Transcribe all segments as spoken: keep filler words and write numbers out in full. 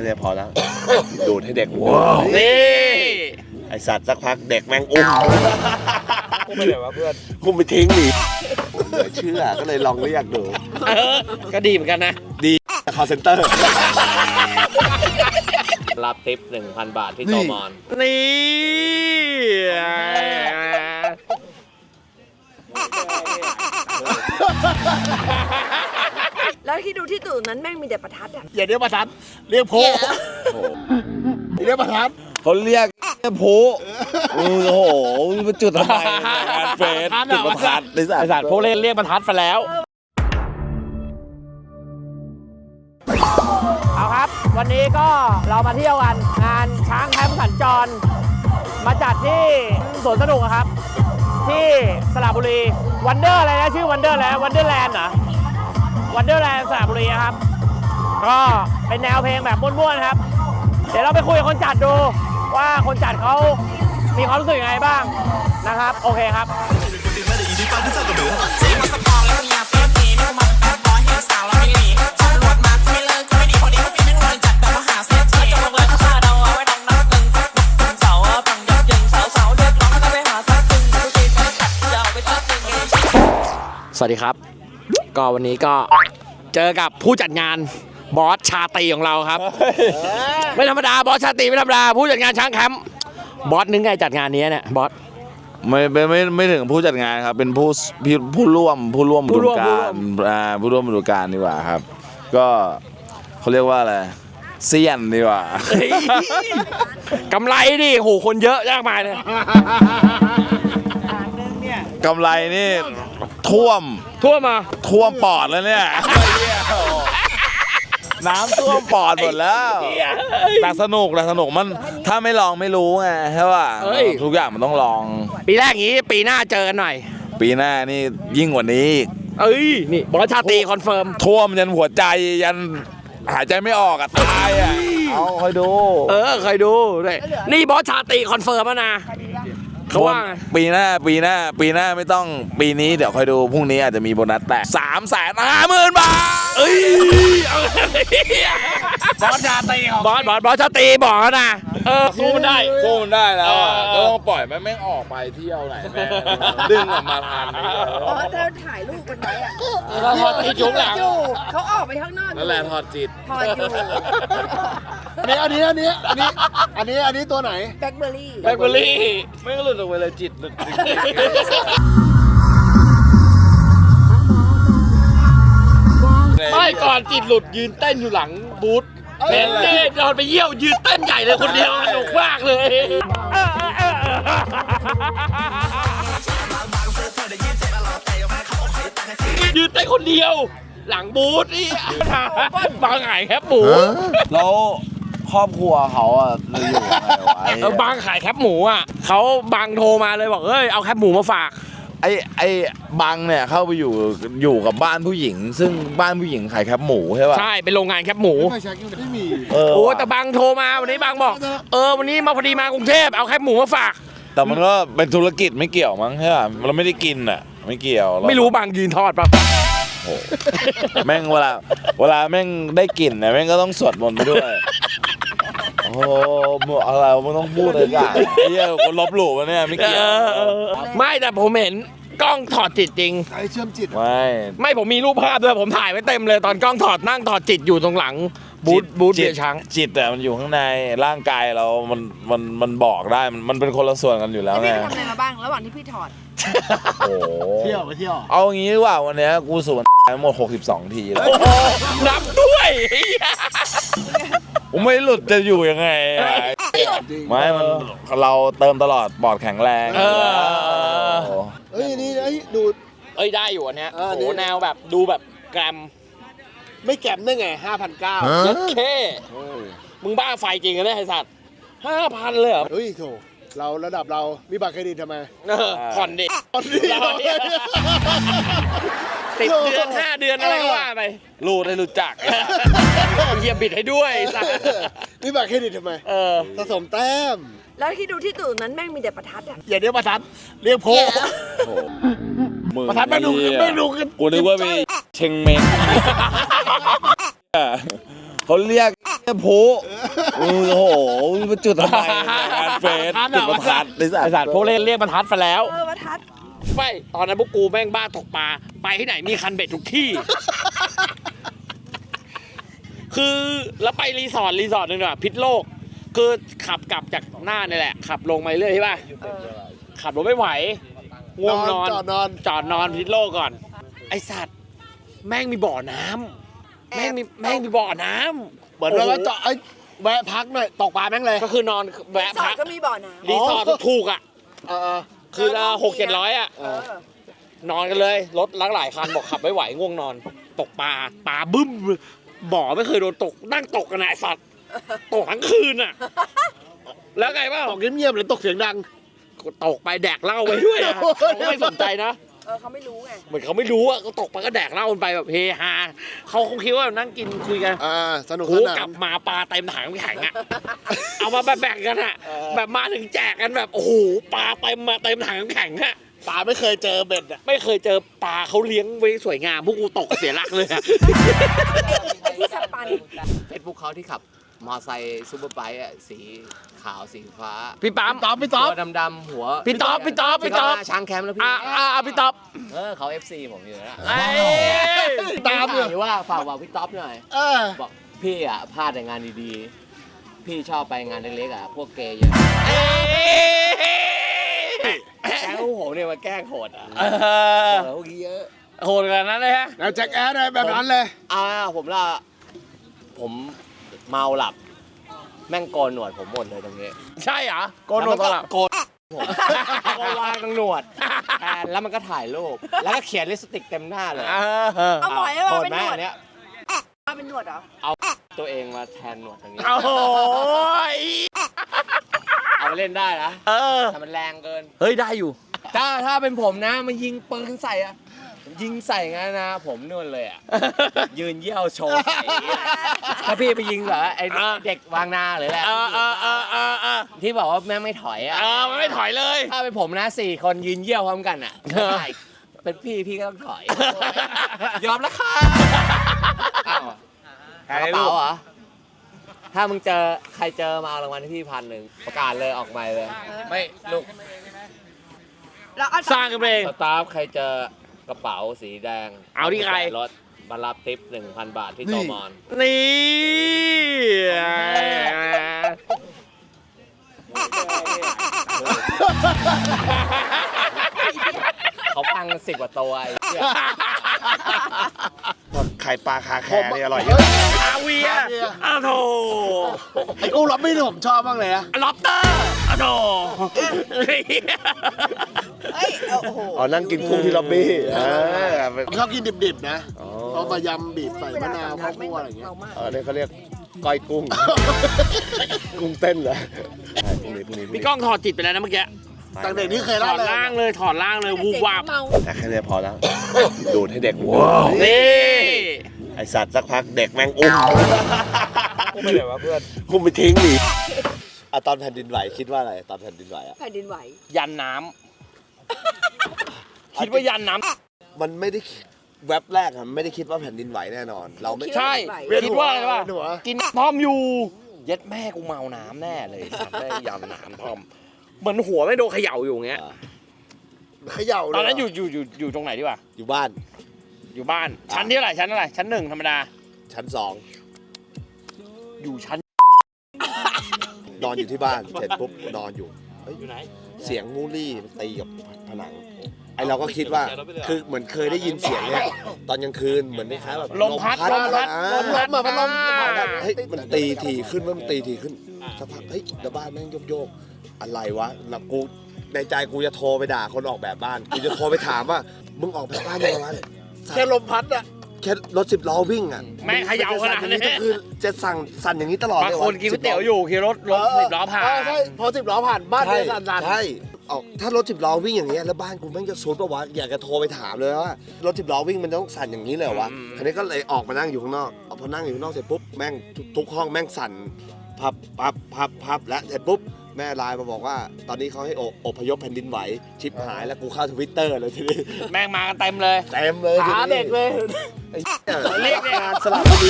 นี้พอแล้ว ดูดให้เด็กว้าวนี่ไอสัตว์สักพักเด็กแม่งอุ้มอุ้มไปไหนวะเพื่อนอุ้มไปทิ้งดิเหลือเชื่อก็เลยลองเรียกดูก็ดีเหมือนกันนะดีคอลเซ็นเตอร์รับทิป หนึ่งพัน บาทที่โตมอนนี่แล้วที่ดูที่ตู่นั้นแม่งมีแต่ประทัดอ่ะอย่าเรียกประทัดเรียกโพเรียกประทัดเขาเรียกโพโอ้โหมันจุดทำไมงานเฟสจุดประทัดไอ้สัตว์พวกเล่นเรียกประทัดไปแล้วเอาครับวันนี้ก็เรามาเที่ยวกันงานช้างแคมป์สัญจรมาจัดที่สวนสนุกครับที่สระบุรีวันเดอร์อะไรนะชื่อวันเดอร์แล้ววันเดอร์แลนด์เหรอวันเดอร์แลนด์สระบุรีครับก็เป็นแนวเพลงแบบม่วนๆครับเดี๋ยวเราไปคุยกับคนจัดดูว่าคนจัดเขามีความรู้สึกยังไงบ้างนะครับโอเคครับสวัสดีครับก็วันนี้ก็เจอกับผู้จัดงานบอสชาตรีของเราครับไม่ธรรมดาบอสชาตรีไม่ธรรมดาผู้จัดงานช้างแคมป์บอสนึกไงจัดงานนี้เนี่ยบอสไม่ไม่ไม่ไม่ถึงผู้จัดงานครับเป็นผู้ผู้ร่วมผู้ร่วมฤดูกาลอ่าผู้ร่วมฤดูกาลดีกว่าครับก็เขาเรียกว่าอะไรเซียนดีกว่ากำไรดิโหคนเยอะมากมายเลยกำไรนี่ท่วมท่วมมาท่วมปอดแล้วเนี่ยน้ำท่วมปอดหมดแล้วแต่สนุกแต่สนุกมันถ้าไม่ลองไม่รู้ไงใช่ป่ะทุกอย่างมันต้องลองปีแรกอย่างนี้ปีหน้าเจอกันหน่อยปีหน้านี่ยิ่งกว่านี้เอ้ยนี่บอสชาตรีคอนเฟิร์มท่วมยันหัวใจยันหายใจไม่ออกอะตายอะเอาคอยดูเออคอยดูด้วยนี่บอสชาตรีคอนเฟิร์มแล้วนะเขาว่าปีหน้าปีหน้าปีหน้าไม่ต้องปีนี้เดี๋ยวคอยดูพรุ่งนี้อาจจะมีโบนัสแตกสามแสนห้าหมื่นบาทเอ้ยบอสชาตรีของบอสบอสบอสชาตรีบอกแล้วนะเออสู้มันได้สู้มันได้แล้วก็ต้องปล่อยมันไม่ออกไปเที่ยวไหนแม่ดึงออกมาทันอ๋อเธอถ่ายรูปกันไว้อะเราถอดจิตจุ๊บหลังเขาออกไปข้างนอกนั่นแหละถอดจิตถอดอยู่อันนี้อันนี้อันนี้อันนี้อันนี้อันนี้ตัวไหนแบล็คเบอร์รี่แบล็คเบอร์รี่ไม่ก็หลุดออกไปเลยจิตหลุดไม่ก่อนจิตหลุดยืนเต้นอยู่หลังบูธเห็นเล่นนอนไปเยี่ยวยืนเต้นใหญ่เลยคนเดียวสนุกมากเลยยืนเต้นคนเดียวหลังบูธนี่บางขายแคบหมูแล้วครอบครัวเขาอ่ะเลยอยู่ไงวะบางขายแคบหมูอ่ะเขาบางโทรมาเลยบอกเอ้ยเอาแคบหมูมาฝากไอ้ไอ้บังเนี่ยเข้าไปอยู่อยู่กับบ้านผู้หญิงซึ่งบ้านผู้หญิงขายแคบหมูใช่ป่ะใช่เป็นโรงงานแคบหมูไม่มีโอ้แต่บังโทรมาวันนี้บังบอกเออวันนี้มาพอดีมากรุงเทพเอาแคบหมูมาฝากแต่มันก็เป็นธุรกิจไม่เกี่ยวมั้งใช่ป่ะเราไม่ได้กินอ่ะไม่เกี่ยวไม่รู้บังยืนทอดป่ะโอ้แม่งเวลาเวลาแม่งได้กลิ่นเนี่ยแม่งก็ต้องสวดมนต์ไปด้วยโอ้อะไรมึงต้องพูดเลยจ้ะเฮียคนลบหลู่มาเนี่ยไม่เกี่ยวไม่แต่ผมเห็นกล้องถอดจิตจริงใครเชื่อมจิตไม่ไม่ผมมีรูปภาพด้วยผมถ่ายไว้เต็มเลยตอนกล้องถอดนั่งถอดจิตอยู่ตรงหลังบูธบูธเบียร์ช้างจิตแต่มันอยู่ข้างในร่างกายเรามันมันมันบอกได้มันมันเป็นคนละส่วนกันอยู่แล้วไงพี่ทำอะไรมาบ้างระหว่างที่พี่ถอดโอ้เที่ยวไปเที่ยวเอางี้ดีกว่าวันนี้กูสูบทั้งหมดหกสิบสองทีแล้วนับด้วยผมไม่หลุดจะอยู่ยังไงไม่มันเราเติมตลอดปอดแข็งแรงเออเอ้ยนี่ไอ้ดูเอ้ยได้อยู่อันเนี้ยโอ้แนวแบบดูแบบแกรมไม่แกรมได้ไงห้าพันเก้าโอเคมึงบ้าไฟจริงกันได้ไอ้สัตว์ห้าพันเลยเหรอเฮ้ยโถเราระดับเรามีบัตรเครดิตทำไมผ่อนดิผ่อนดิสิบเดือนห้าเดือนอะไรก็ว่าไปรูดให้รู้จักเหยียบบิดให้ด้วยสัตว์มีบัตรเครดิตทำไมเออสะสมแต้มแล้วที่ดูที่ตู่นั้นแม่งมีแต่ประทัดอ่ะอย่าเรียกประทัดเรียกโพประทัดไม่ดูไม่ดูกันกูนึกว่ามีเชงเม้งเขาเรียกโผโอ้โหมันจุดทำไมงานเฟสจุดประทัดไอ้สัไอสัตว์พวกเล่นเรียกบรรทัดไปแล้วเออประทัดไม่ตอนนั้นพวกกูแม่งบ้าตกปลาไปที่ไหนมีคันเบ็ดทุกที่ คือแล้วไปรีสอร์ทรีสอร์ทหนึ่งอะพิษโลก คือขับกลับจากหน้านี่แหละ ขับลงไปเรื่อยใช่ป่ะเออขับรถไม่ไหวง่วงนอนจอดนอนจอดนอนพิษโลกก่อน ไอสัตว์แม่งมีบ่อน้ำแม่งมีแม่งมีบ่อน้ำเหมือนว่าจอดไอ้แวะพักหน่อยตกปลาแม่งเลยก็คือนอนแวะสอพัดกก็มีบ่อน้ำรีสอร์ทถูกๆอ่ะเออคือละหกเจ็ดร้อยอ่ะเออนอนกันเลยรถลักหลายคันบอกขับไม่ไหวง่วงนอน ตกปลาปลาบึ้มบ่อไม่เคยโดนตกนั่งตกกันนะไอ้สัตว์ตกทั้งคืนอ่ะ แล้วไงบ้างตกเงียบๆหรือตกเสียงดังตกไปแดกเหล้าไปด้วยอะเขาไม่สนใจนะเออเขาไม่รู้ไงเหมือนเขาไม่รู้อ่ะก็ตกไปก็แดกเหล้ากันไปแบบเฮฮาเขาคงคิดว่านั่งกินคุยกันอ่าสนุกโหสกนาลันบมาปลาเต็มถังน้ำแข็งอ่ะ เอามาแบบแบ่งกันอ่ะ แบบมาถึงแจกกันแบบโอ้โหปลาเต็มมาเต็มถังน้ำแข็งอ่ะปลาไม่เคยเจอเบ็ดอ่ะไม่เคยเจอปลาเขาเลี้ยงไว้สวยงามพวกกูตกเสียหลักเลยอะไอ้ที่สปันเฟซบุ๊กเขาที่ขับ มอไซค์ซูเปอร์ไบค์อ่ะสีขาวสีฟ้าพี่ปั๊มตอบไม่ตอบตัวดำๆหัวพี่ต๊อบพี่ต๊อบพี่ต๊อบที่เขามาช้างแคมป์แล้วพี่อ่าอ่าพี่ต๊อบเออเขา เอฟ ซี ผมอยู่แล้วไอ้ตามเลยหรือว่าฝากบอกพี่ต๊อบหน่อยเออบอกพี่อ่ะพลาดแต่งานดีๆ พี่ชอบไปงานเล็กๆอ่ะพวกเกย์เยอะแกล้งพวกผมเนี่ยมาแกล้งโหดอ่ะเออเออพวกนี้เยอะโหดขนาดนั้นเลยฮะแล้วแจ็คแอดเลยแบบนั้นเลยอ่าผมละผมเมาหลับ แม่งโกนหนวดผมหมดเลยตรงนี้ใช่เหรอโกนหนวดตลอดโกนผมโกนวางตรงหนวดแทนแล้วมันก็ถ่ายรูปแล้วก็เขียนลิปสติกเต็มหน้าเลยเออเอาหมอยโหมาดเป็นไหมหนวดอันเนี้ยมาเป็นหนวดเหรอเอาตัวเองมาแทนหนวดตรงนี้โอ้โหเอาไปเล่นได้นะเออแต่มันแรงเกินเฮ้ยได้อยู่ถ้าถ้าเป็นผมนะมันยิงปืนใส่อะยิงใส่งั้นนะ ผมนวลเลยอะยืนเยี่ยวโชว์ใส่ถ้าพี่ไปยิงเหรอไออ่าเด็กวางนาหรืออะไรเออเออเออเออเออที่บอกว่าแม่งไม่ถอยอะเออมันไม่ถอยเลยถ้าเป็นผมนะสี่คนยืนเยี่ยวพร้อมกันอะเออใช่เป็นพี่พี่ก็ต้องถอย ยอมแล้วค่ะอ้าวกระเป๋าเหรอถ้ามึงเจอใครเจอมาเอารางวัลให้พี่พันหนึ่งประกาศเลยออกใหม่เลย ไม่ลูกแล้วเอาสร้างกันเองสตาฟใครเจอกระเป๋าสีแดงเอาที่ใครรถมารับทิปหนึ่งพันบาทที่นี่โตมอนนี่เขาฟังสิบกว่าตัวไอ้เหี้ยไข่ปลาคาแคร์นี่อร่อยเยอะอาเวียอ้าวโถไอ้กุ้งล็อบบี้นี่ผมชอบมากเลยนะล็อบเตอร์อ้าวโถเฮ้ยเอาโอ้โหอ๋อนั่งกินกุ้งที่ล็อบบี้ผมชอบกินดิบๆนะเอามายำบีบใส่มะนาวข้าวคั่วอะไรอย่างเงี้ยมากเออเนี่ยเขาเรียกก้อยกุ้ง กุ้งเต้นเหรอใช่พรุ่งนี้พรุ่งนี้พรุ่งพี่นี้ก้องถอดจิตไปแล้วนะเมื่อกี้ตั้งแต่นี้เคยถเล่าอดเลยล่างเลยถอดล่างเลยวูบวาบเมาแต่แค่นี้พอแล้ว ดูดให้เด็กว้าวนี่ไอสัตว์สักพักเด็กแม่งอุ้มกูไม่เลยว่าเพื่อนอุ้มไปทิ้งดิอะตอนแผ่นดินไหวคิดว่าอะไรตอนแผ่นดินไหวอะแผ่นดินไหวยันน้ำคิดว่ายันน้ำมันไม่ได้แว็บแรกอะมันไม่ได้คิดว่าแผ่นดินไหวแน่นอน เราไม่ใช่เวียนคิดหัวว่าอะไรวะเวียนหัวกินทอมอยู่ เย็ดแม่กูเมาน้ำแน่เลยสัตว์ได้ยำน้ำทอม เหมือนหัวไม่โดนเขย่าอยู่อย่างเงี้ยเขย่าเลยตอนนั้นอยู่อยู่อยู่อยู่ตรงไหนดีวะอยู่บ้านอยู่บ้าน ชั้นที่เท่าไหร่ชั้นเท่าไหร่ชั้นหนึ่งธรรมดาชั้นสองอยู่ชั้นนอนอยู่ที่บ้านเสร็จปุ๊บนอนอยู่เฮ้ยอยู่ไหนเสียงงูรี่มันตีกับผนังไอเราก็คิดว่าคือเหมือนเคยได้ยินเสียงเนี้ยตอนกลางคืนเหมือนคล้ายๆแบบลมพัดลมพัดอ่าลมพัดพัดลมอ่าเฮ้ยมันตีทีขึ้นว่ามันตีทีขึ้นสักพักเฮ้ยแล้วบ้านแม่งโยกๆอะไรวะแล้วกูในใจกูจะโทรไปด่าคนออกแบบบ้านกูจะโทรไปถามว่ามึงออกแบบบ้านยังไงวะแค่ลมพัดอะแค่รถสิบล้อวิ่งอ่ะแม่งเขย่าขนาดนี้ก็คือจะสั่งสั่นอย่างนี้ตลอดบางเลยวะคนกินก๋วยเตี๋ยวอยู่ขี่รถรถสิบล้อผ่านใช่พอสิบล้อผ่านบ้านเลยสั่นๆใช่ออกถ้ารถสิบล้อวิ่งอย่างเงี้ยแล้วบ้านกูแม่งจะซุดปะวะอยากจะโทรไปถามเลยว่ารถสิบล้อวิ่งมันต้องสั่นอย่างนี้เลยเหรอวะอืมทีนี้ก็เลยออกมานั่งอยู่ข้างนอกเอาพอนั่งอยู่ข้างนอกเสร็จปุ๊บแม่งทุกทุกห้องแม่งสั่นพับพับพับพับและเสร็จปุ๊บแม่ไลน์มาบอกว่า ตอนนี้เขาให้ออพยพแผ่นดินไหวชิปหายแล้วกูเข้าทวิตเตอร์เลยทีนี้แม่งมากันเต็มเลยเต็มเลยทีขานี้เด็กเลยไอ้เหี้ยเรียกเนี่ยงานสลับบุรี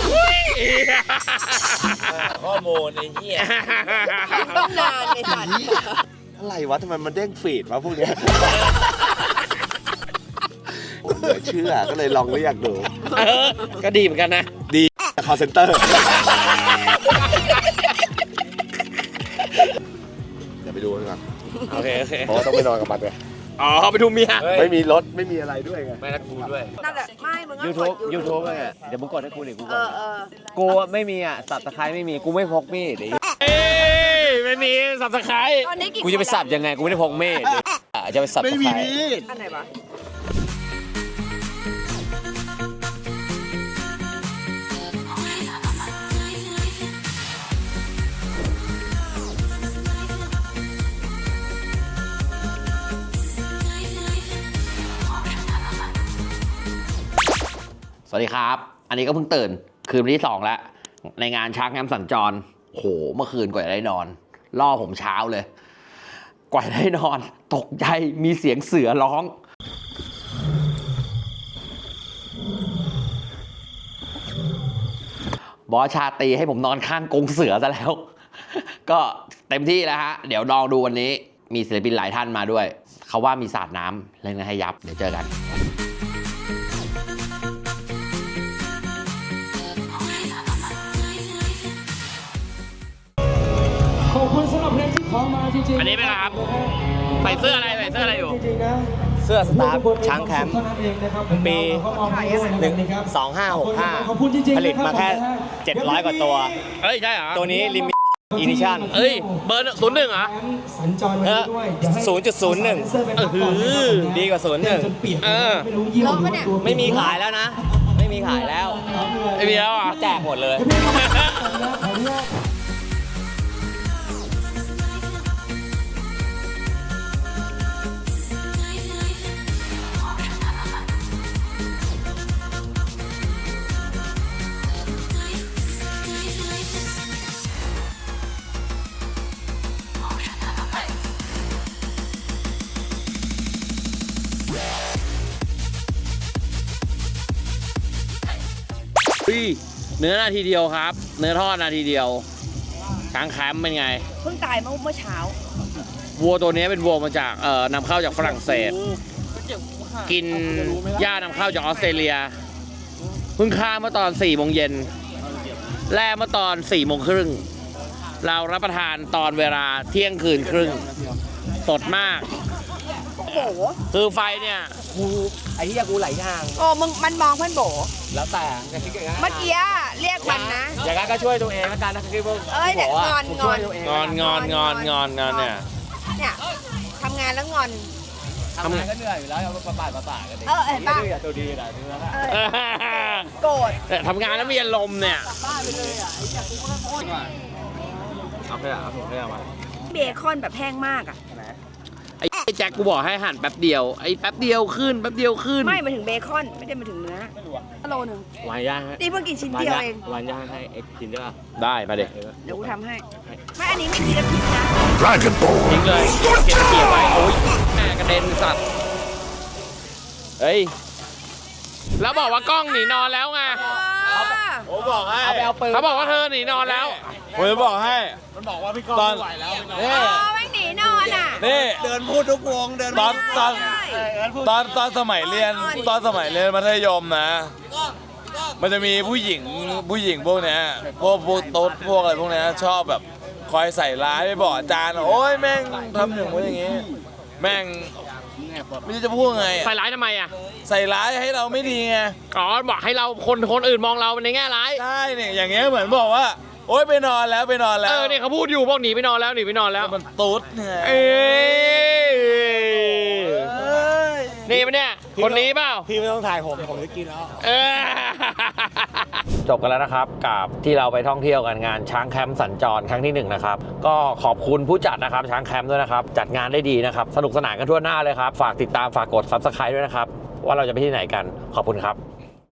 ข้อมูลไอ้เหี้ยต้องนานในสัตว์อะไรวะทำไมมันเด้งฟีดวะพวกเนี้ยผมเหลือเชื่อก็เลยลองเรียกดูเออก็ดีเหมือนกันนะดีคอลเซ็นเตอร์เดี๋ยวไปดูกันก่อนโอเคโอเคเพราะว่าต้องไปนอนกับมันไงอ๋อไปดูเมียไม่มีรถไม่มีอะไรด้วยไงไม่นัดกูด้วยนั่นแหละ ไม่ มึงก็ยูทูบกดยูทูบเนี่ยเดี๋ยวมึงกดให้กูหน่อยกูเอก่อนอเออกูไม่มีอ่ะสับตะไคร้ไม่มีกูไม่พกมีดไอ้เหี้ยเอ้ยไม่มีสับสไครตอนนี้กี่กูจะไปสับยังไงกูไม่ได้พกมีดอ่ะจะไปสับตะไคร้อันไหนวะสวัสดีครับ อันนี้ก็เพิ่งตื่นคืนวันที่สองแล้วในงานช้างแคมป์สัญจรโหเมื่อคืนกว่าจะได้นอนล่อผมเช้าเลย กว่าจะได้นอน ตกใจมีเสียงเสือร้อง บอสชาตรีให้ผมนอนข้างกรงเสือซะแล้ว ก็เต็มที่แล้วฮะ เดี๋ยวลองดูวันนี้มีศิลปินหลายท่านมาด้วย เขาว่ามีสาดน้ำเล่นกันให้ยับ เดี๋ยวเจอกันขอบคุณสำหรับเพลงที่ขอมาจริงๆอันนี้เป็นไงครับใส่เสื้ออะไรใส่เสื้ออะไรอยู่จริงๆนะเสื้อสตาร์ช้างแคมป์เท่านั้นเองนะครับปีเราก็มอบให้ด้วยะครับสองห้าหกห้าขอบคุณจริงๆผลิตมาแค่นะรับเจ็ดร้อยกว่าตัวเอ้ยใช่เหรอตัวนี้ลิมิตอินิชั่นเอ้ยเบอร์ศูนย์หนึ่งเหรอสัญจรวันนี้ด้วยเดี๋ยวให้ศูนย์จุดศูนย์หนึ่งเซอร์ไปพักก่อนนะครับผมนะดีกว่าศูนย์หนึ่งจนเปียกเออไม่รู้ยี่ห้อหรือว่าตัวไม่มีขายแล้วนะ ไม่มีขายแล้วไม่มีแล้วเหรอ่ะแจกหมดเลยเดี๋ยวพี่เข้ามาก่อนนะขออนุญาตอุ้ยเนื้อนาทีเดียวครับ เนื้อทอดนาทีเดียวช้างแคมป์เป็นไงเพิ่งตายเมื่อเมื่อเช้าวัวตัวนี้เป็นวัวมาจากเอ่อนำเข้าจากฝรั่งเศส กินหญ้านำเข้าจากออสเตรเลียเพิ่งฆ่าเมื่อตอนสี่โมงเย็นแล่เมื่อตอนสี่โมงครึ่งเรารับประทานตอนเวลาเที่ยงคืนครึ่งสดมากโอ้โหคือไฟเนี่ยกูไอ้ที่กูหลายอย่างโอ้มึงมันมองเพื่อนโบแล้วแต่จะคิดอย่างนั้นเมื่อกี้เรียกมันนะอย่างนั้นก็ช่วยตัวเองแล้วกันนะคือพวกเอ้ยเนี่ยกูบกว่างอนกูช่วยงอนตัวเองงอนงอนงอนงอนงอนเนี่ยเนี่ยทำงานแล้วงอนทำงานก็เหนื่อยอยู่แล้วเอาประปาดประปาดกันดิเออเห็นปะดื้อตัวดีนะเนื้อเออโกรธแต่ทำงานแล้วมีอารมณ์เนี่ยเอาไปอ่ะเอาผมไปเอามาเบคอนแบบแห้งมากอ่ะไอ้แจ็คกูบอกให้หั่นแป๊บเดียวไอ้แป๊บเดียวขึ้นแป๊บเดียวขึ้นไม่มาถึงเบคอนไม่ได้มาถึงเนื้อโลหนึ่งวานย่างให้นี่เพิ่งกินชิ้นวานเดียวย่างเองวานย่างให้เอ็กซ์กินได้ป่ะได้มาเด็กเดี๋ยวกูทำให้ไม่อันนี้ไม่มีน้ำพริกนะทิ้งเลยเก็บเกี่ยวไว้โอ้ยแม่กระเด็นสัตว์เฮ้ยแล้วบอกว่ากล้องหนีนอนแล้วไงผมบอกให้เอาไปเอาปืนเขาบอกว่าเธอหนีนอนแล้วผมจะบอกให้ตอนเออไม่หนีนอนอ่ะนี่เดินพูดทุกวงเดินตอนตอนใช่ตอนตอนสมัยเรียนตอนสมัยเรียนมัธยมนะ มันจะมีผู้หญิงผู้หญิงพวกเนี้ยพวกพวกโต๊ดพวกอะไรพวกเนี้ยชอบแบบคอยใส่ร้ายไปบอกอาจารย์โอ้ยแม่งทำอย่างนี้อย่างงี้ แม่งไม่รู้จะพูดไงใส่ร้ายทำไมอ่ะใส่ร้ายให้เราไม่ดีไงอ๋อบอกให้เราคนคนอื่นมองเราในแง่ร้ายใช่เนี่ยอย่างเงี้ยเหมือนบอกว่า โอ๊ยไปนอนแล้วไปนอนแล้วเออเนี่ยเขาพูดอยู่บอกหนีไปนอนแล้วหนีไปนอนแล้วมันตุ๊ดไงเอ้ยเอ้ยนี่ปะเนี่ยคนนี้เปล่าพี่ไม่ต้องถ่ายผมผมจะกินแล้วเออจบกันแล้วนะครับกับที่เราไปท่องเที่ยวกันงานช้างแคมป์สัญจรครั้งที่หนึ่งนะครับก็ขอบคุณผู้จัดนะครับช้างแคมป์ด้วยนะครับจัดงานได้ดีนะครับสนุกสนานกันทั่วหน้าเลยครับฝากติดตามฝากกด ซับสไครบ์ ด้วยนะครับว่าเราจะไปที่ไหนกันขอบคุณครับ